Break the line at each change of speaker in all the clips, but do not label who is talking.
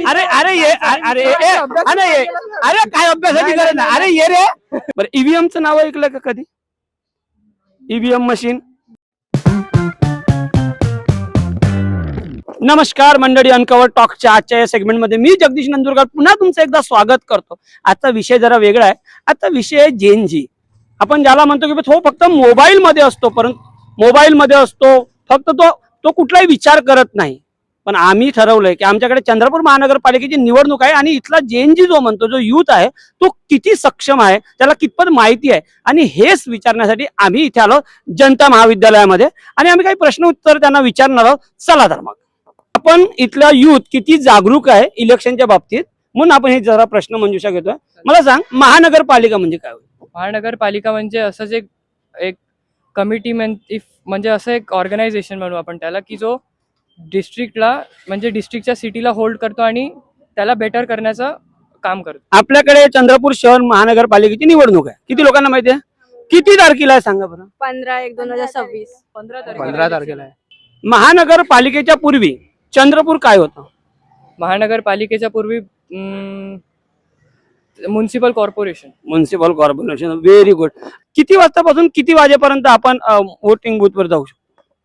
अरे अरे ये अरे अरे काय अभ्यासाची गरज नाही. अरे ये रे. बरं ईव्हीएमचं नाव ऐकलं का कधी? EVM machine. नमस्कार मंडळी, अनकवर टॉकच्या आजच्या या सेगमेंटमध्ये मी जगदीश नंदुरकर पुन्हा तुमचं एकदा स्वागत करतो. आजचा विषय जरा वेगळा आहे. आजचा विषय आहे जेन जी. आपण ज्याला म्हणतो की तो फक्त मोबाईल मध्ये असतो, परंतु मोबाईल मध्ये असतो फक्त तो कुठलाही विचार करत नाही. पण आम्ही ठरवलंय की आमच्याकडे चंद्रपूर महानगरपालिकेची निवडणूक आहे आणि इथला जेन जी जो म्हणतो, जो युथ आहे तो किती सक्षम आहे, त्याला कितपत माहिती आहे, आणि हेच विचारण्यासाठी आम्ही इथे आलो जनता महाविद्यालयामध्ये आणि आम्ही काही प्रश्न उत्तर त्यांना विचारणार आहोत. चला तर मग आपण इथला युथ किती जागरूक आहे इलेक्शनच्या बाबतीत म्हणून आपण हे जरा प्रश्न मंजुषा घेतोय. मला सांग, महानगरपालिका म्हणजे काय?
महानगरपालिका म्हणजे असंच एक कमिटी म्हणजे असं एक ऑर्गनायझेशन म्हणू आपण त्याला, की जो डिस्ट्रिक्टला म्हणजे डिस्ट्रिक्टच्या सिटीला होल्ड करतो आणि त्याला बेटर करण्याचं काम करतो.
आपल्याकडे चंद्रपूर शहर महानगरपालिकेची निवडणूक आहे. किती लोकांना माहिती आहे? किती तारखेला आहे सांगा बरं?
15/1/2026.
15 तारखेला आहे.
महानगरपालिकेच्या पूर्वी चंद्रपूर काय होतं?
महानगरपालिकेच्या पूर्वी municipal corporation.
Municipal corporation. Very good. किती वाजतापासून किती वाजेपर्यंत आपण वोटिंग बूथवर जाऊ शकतो?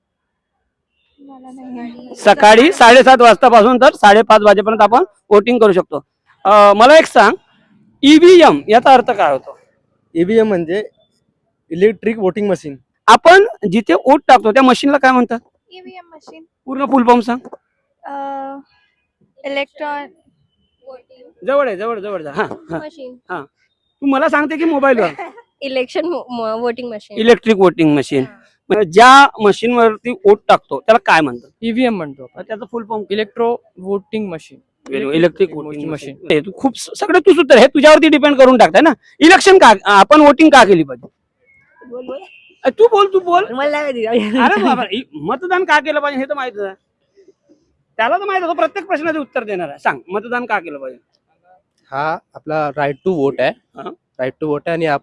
सकाळी 7:30 वाजतापासून तर 5:30 वाजेपर्यंत आपण वोटिंग करू शकतो. मला एक सांग, ईव्हीएम याचा अर्थ काय होतो?
ईव्हीएम म्हणजे इलेक्ट्रिक वोटिंग मशीन.
आपण जिथे वोट टाकतो त्या मशीनला काय म्हणतात?
EVM machine.
पूर्ण फुल फॉर्म सांग.
इलेक्ट्रॉन
जवळ आहे, जवळ जवळ जा. हा हा
मशीन.
हा. तू मला सांगते की मोबाईलवर?
Election voting machine.
Electric voting machine. ज्या मशीन वरती वोट टाकतो त्याला काय म्हणतात?
ईव्हीएम म्हणतो.
त्याचं full form?
Electro voting machine.
Electric voting machine. तू खूप सगळं तूच उत्तर हे तुझ्यावरती डिपेंड करून टाकताय ना. इलेक्शन का आपण वोटिंग का केली पाहिजे? तू बोल. अरे बाबा, मतदान का केलं पाहिजे हे तर माहित आहे. त्याला तर माहित आहे, प्रत्येक प्रश्नाचे उत्तर देणार आहे. सांग, मतदान का केलं पाहिजे?
हा आपला राईट टू वोट आहे.
हा.
राईट टू वोट आहे आणि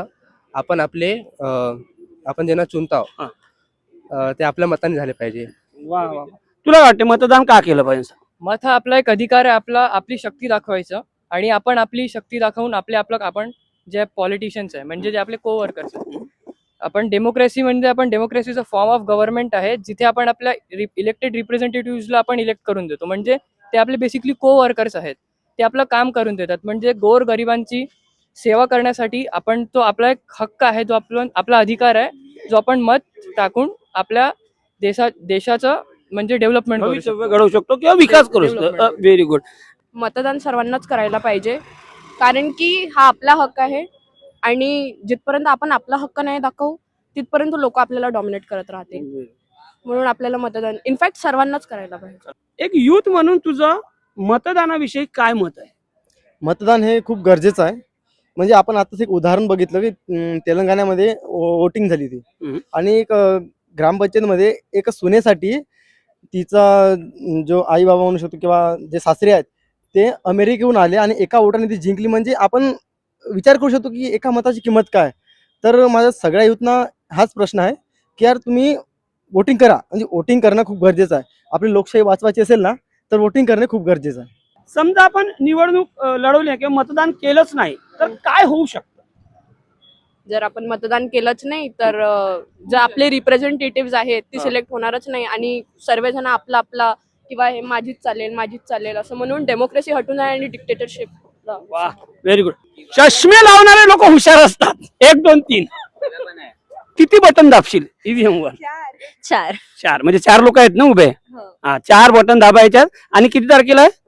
आपण ज्यांना चुनतो ते आपल्या मताने झाले पाहिजे.
वा वा. तुला वाटते मतदान का केलं पाहिजे?
मत हा आपला एक अधिकार आहे, आपली शक्ती दाखवायचं आणि आपण आपली शक्ती दाखवून आपण जे पॉलिटिशियन्स आहे म्हणजे जे आपले कोवर्कर्स आहेत, आपण डेमोक्रेसी म्हणजे आपण डेमोक्रेसीचा फॉर्म ऑफ गव्हर्नमेंट आहे, जिथे आपण आपल्या इलेक्टेड रिप्रेझेंटेटिव्हला आपण इलेक्ट करून देतो. म्हणजे ते आपले बेसिकली कोवर्कर्स आहेत, ते आपलं काम करून देतात. म्हणजे गोर गरिबांची सेवा करण्यासाठी आपण तो आपला एक हक्क आहे, जो आपला अधिकार आहे, जो आपण मत टाकून आपल्या देशाचं म्हणजे डेव्हलपमेंट
घडवू शकतो किंवा विकास करू शकतो. Very good.
मतदान सर्वांनाच करायला पाहिजे, कारण की हा आपला हक्क आहे आणि जिथपर्यंत आपण आपला हक्क नाही दाखवू तिथपर्यंत लोक आपल्याला डॉमिनेट करत राहते. म्हणून आपल्याला मतदान इनफॅक्ट सर्वांनाच करायला पाहिजे.
एक युथ म्हणून तुझं मतदानाविषयी काय मत आहे?
मतदान हे खूप गरजेचं आहे. म्हणजे आपण आताच एक उदाहरण बघितलं की तेलंगणामध्ये वोटिंग झाली ती आणि एक ग्रामपंचायतमध्ये एक सुनेसाठी तिचा जो आई बाबा म्हणू शकतो किंवा जे सासरे आहेत ते अमेरिकेहून आले आणि एका वोटाने ती जिंकली. म्हणजे आपण विचार करू शकतो की एका मताची किंमत काय. तर माझ्या सगळ्या युथना हाच प्रश्न आहे की यार तुम्ही वोटिंग करा. म्हणजे वोटिंग करणं खूप गरजेचं आहे. आपली लोकशाही वाचवायची असेल ना तर वोटिंग करणे खूप गरजेचं आहे.
समजा आपण निवडणूक लढवली किंवा मतदान केलंच नाही तर काय होऊ शकतं?
जर आपण मतदान केलंच नाही तर जे आपले रिप्रेझेंटेटिव्ह आहेत ते सिलेक्ट होणारच नाही आणि सर्वजण आपला किंवा हे माझीच चालेल असं म्हणून डेमोक्रेसी हटून आहे आणि डिक्टेटरशिप.
वा, व्हेरी गुड. चष्मे लावणारे लोक हुशार असतात. 1 2 3 किती बटन दाबशील ईव्हीएम वर? 4 म्हणजे 4 लोक आहेत ना उभे? हा, 4 बटन दाबायच्यात. आणि किती तारखेला आहे?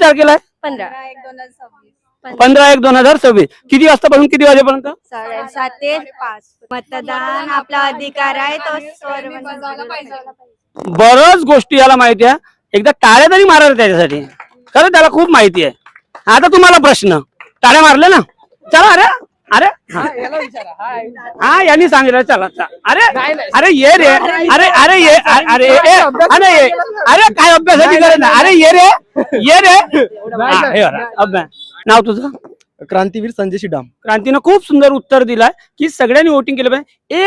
15/1/2026. किती वाजतापासून किती वाजेपर्यंत?
7:30 ते 5. मतदान आपला अधिकार आहे, तो
बरच गोष्टी याला माहिती आहे. एकदा टाळ्या तरी मारायला त्याच्यासाठी. खरं त्याला खूप माहिती आहे. आता तुम्हाला प्रश्न, टाळ्या मारले ना? चला. अरे हा यांनी सांगितलं चला. अरे ये रे. अरे काय अभ्यासाची गरज नाही. अरे ये रे. अभ्यास. नाव तुझं?
क्रांतीवीर संजय शिडाम.
क्रांतीनं खूप सुंदर उत्तर दिलंय की सगळ्यांनी वोटिंग केलं पाहिजे.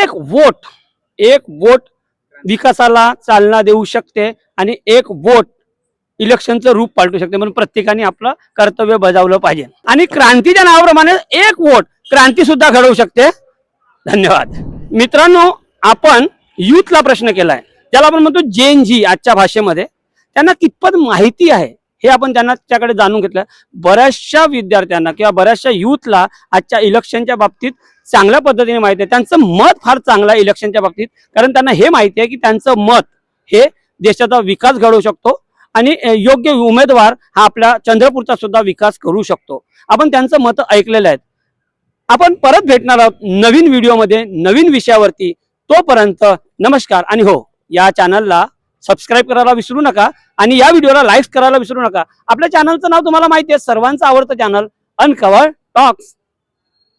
एक वोट विकासाला चालना देऊ शकते आणि एक वोट इलेक्शनचं रूप पालटू शकते. म्हणून प्रत्येकाने आपलं कर्तव्य बजावलं पाहिजे आणि क्रांतीच्या नावाप्रमाणे एक वोट क्रांती सुद्धा घडवू शकते. धन्यवाद मित्रांनो. आपण युथला प्रश्न केलाय, ज्याला आपण म्हणतो जेन-जी आजच्या भाषेमध्ये. त्यांना कितपत माहिती आहे हे आपण त्यांच्याकडे जाणून घेतलं. बऱ्याचशा विद्यार्थ्यांना किंवा बऱ्याचशा युथला आजच्या इलेक्शनच्या बाबतीत चांगल्या पद्धतीने माहिती आहे. त्यांचं मत फार चांगलं आहे इलेक्शनच्या बाबतीत, कारण त्यांना हे माहिती आहे की त्यांचं मत हे देशाचा विकास घडवू शकतो आणि योग्य उमेदवार हा आपल्या चंद्रपूरचा सुद्धा विकास करू शकतो. आपण त्यांचं मत ऐकलेलं आहे. आपण परत भेटणार आहोत नवीन व्हिडिओमध्ये नवीन विषयावरती. तोपर्यंत नमस्कार. आणि हो, या चॅनलला सबस्क्राईब करायला विसरू नका आणि या व्हिडिओला लाईक करायला विसरू नका. आपल्या चॅनलचं नाव तुम्हाला माहिती आहे, सर्वांचं आवडतं चॅनल अनकव्हर्ड टॉक्स.